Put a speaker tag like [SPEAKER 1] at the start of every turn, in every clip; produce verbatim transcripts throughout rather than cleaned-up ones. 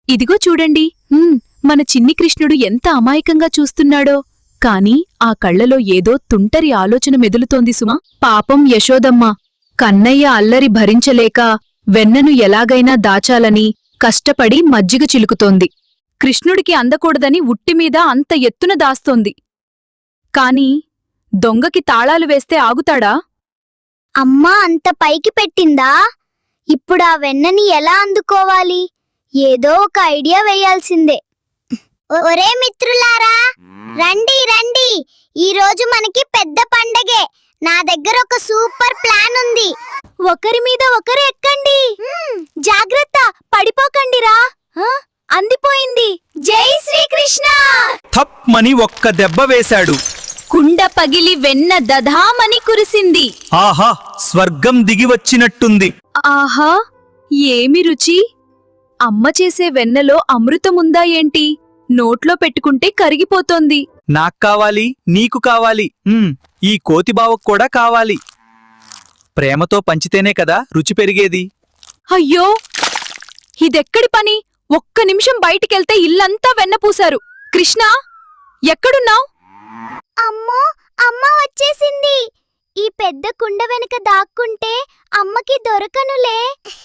[SPEAKER 1] ఇదిగో చూడండి ఉమ్, మన చిన్ని కృష్ణుడు ఎంత అమాయకంగా చూస్తున్నాడో. కాని ఆ కళ్లలో ఏదో తుంటరి ఆలోచన మెదులుతోంది సుమా. పాపం యశోదమ్మ కన్నయ్య అల్లరి భరించలేక వెన్నను ఎలాగైనా దాచాలని కష్టపడి మజ్జిగ చిలుకుతోంది. కృష్ణుడికి అందకూడదని ఉట్టిమీద అంత ఎత్తున దాస్తోంది. కాని దొంగకి తాళాలు వేస్తే ఆగుతాడా?
[SPEAKER 2] అమ్మా అంత పైకి పెట్టిందా? ఇప్పుడా వెన్నని ఎలా అందుకోవాలి? ఏదో ఒక ఐడియా వేయాల్సిందే. ఒరే మిత్రులారా, రండి రండి, ఈ రోజు మనకి పెద్ద పండగే. నా దగ్గర ఒక సూపర్ ప్లాన్ ఉంది. ఒకరి మీద ఒకరు ఎక్కండి. జాగ్రత్త, పడిపోకండిరా. అందిపోయింది. జై శ్రీకృష్ణ!
[SPEAKER 3] థప్ మని ఒక్క దెబ్బ వేశాడు.
[SPEAKER 1] కుండ పగిలి వెన్న దధామని కురిసింది.
[SPEAKER 3] ఆహా, స్వర్గం దిగివచ్చినట్టుంది.
[SPEAKER 1] ఆహా, ఏమి రుచి! అమ్మ చేసే వెన్నలో అమృతముందా ఏంటి? నోట్లో పెట్టుకుంటే కరిగిపోతోంది.
[SPEAKER 3] నాక్కావాలి, నీకు కావాలి, ఉమ్, ఈ కోతిబావకు కూడా కావాలి. ప్రేమతో పంచితేనే కదా రుచి పెరిగేది.
[SPEAKER 1] అయ్యో, ఇదెక్కడి పని? ఒక్క నిమిషం బయటికెళ్తే ఇల్లంతా వెన్నపూశారు. కృష్ణా, ఎక్కడున్నావ్?
[SPEAKER 2] అమ్మో, అమ్మ వచ్చేసింది. ఈ పెద్ద కుండ వెనుక దాక్కుంటే అమ్మకి దొరకనులే.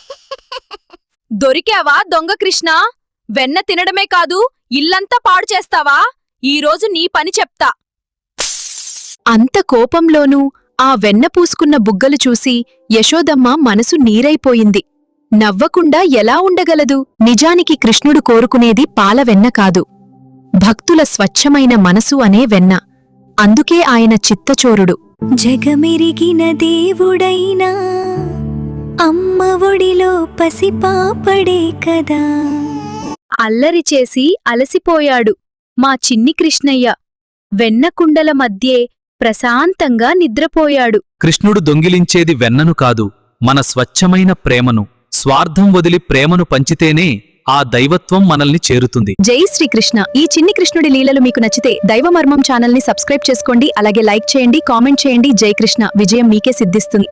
[SPEAKER 1] దొరికావా దొంగ కృష్ణా? వెన్న తినడమే కాదు, ఇల్లంతా పాడు చేస్తావా? ఈరోజు నీ పని చెప్తా. అంత కోపంలోనూ ఆ వెన్న పూసుకున్న బుగ్గలు చూసి యశోదమ్మ మనసు నీరైపోయింది. నవ్వకుండా ఎలా ఉండగలదు? నిజానికి కృష్ణుడు కోరుకునేది పాలవెన్న కాదు, భక్తుల స్వచ్ఛమైన మనసు అనే వెన్న. అందుకే ఆయన చిత్తచోరుడు.
[SPEAKER 4] జగమెరిగిన దేవుడైనా అమ్మ ఒడిలో పసిపాపడే కదా.
[SPEAKER 1] అల్లరి చేసి అలసిపోయాడు మా చిన్ని కృష్ణయ్య. వెన్నకుండల మధ్యే ప్రశాంతంగా నిద్రపోయాడు.
[SPEAKER 3] కృష్ణుడు దొంగిలించేది వెన్నను కాదు, మన స్వచ్ఛమైన ప్రేమను. స్వార్థం వదిలి ప్రేమను పంచితేనే ఆ దైవత్వం మనల్ని చేరుతుంది.
[SPEAKER 1] జై శ్రీకృష్ణ! ఈ చిన్ని కృష్ణుడి లీలలు మీకు నచ్చితే దైవమర్మం ఛానల్ని సబ్స్క్రైబ్ చేసుకోండి. అలాగే లైక్ చేయండి, కామెంట్ చేయండి. జై కృష్ణ! విజయం మీకే సిద్ధిస్తుంది.